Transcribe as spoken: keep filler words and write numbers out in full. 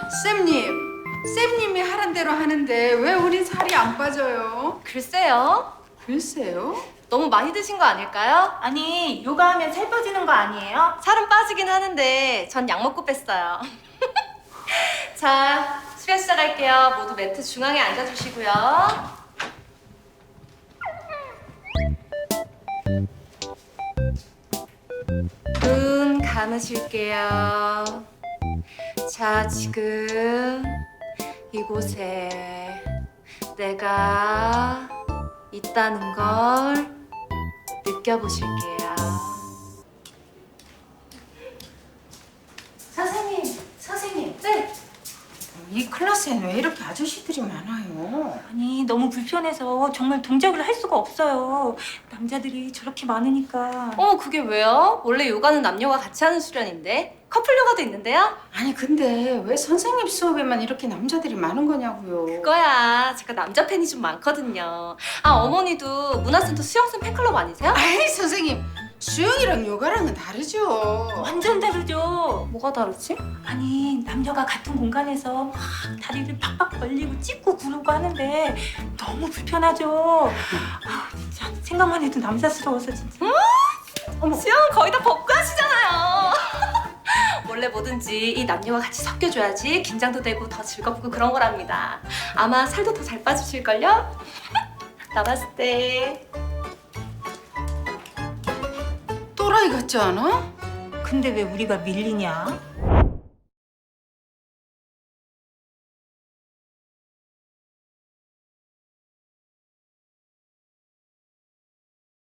쌤님, 쌤님이 하란 대로 하는데 왜 우린 살이 안 빠져요? 글쎄요. 글쎄요. 너무 많이 드신 거 아닐까요? 아니, 요가하면 살 빠지는 거 아니에요? 살은 빠지긴 하는데 전 약 먹고 뺐어요. 자, 수련 시작할게요. 모두 매트 중앙에 앉아주시고요. 눈 감으실게요. 자, 지금 이곳에 내가 있다는 걸 느껴보실게요. 선생님, 선생님. 네. 이 클래스엔 왜 이렇게 아저씨들이 많아요? 아니, 너무 불편해서 정말 동작을 할 수가 없어요. 남자들이 저렇게 많으니까. 어, 그게 왜요? 원래 요가는 남녀가 같이 하는 수련인데 커플 요가도 있는데요? 아니 근데 왜 선생님 수업에만 이렇게 남자들이 많은 거냐고요? 그거야. 제가 남자 팬이 좀 많거든요. 아, 어머니도 문화센터 수영쌤 팬클럽 아니세요? 아이 선생님, 수영이랑 요가랑은 다르죠. 완전 다르죠? 뭐가 다르지? 아니, 남녀가 같은 공간에서 막 다리를 팍팍 벌리고 찢고 구르고 하는데 너무 불편하죠? 아, 진짜 생각만 해도 남사스러워서 진짜. 어머, 수영은 거의 다 벗고 하시잖아요. 원래 뭐든지 이 남녀가 같이 섞여줘야지 긴장도 되고 더 즐겁고 그런 거랍니다. 아마 살도 더 잘 빠지실걸요? 나봤을 때. 또라이 같지 않아? 근데 왜 우리가 밀리냐?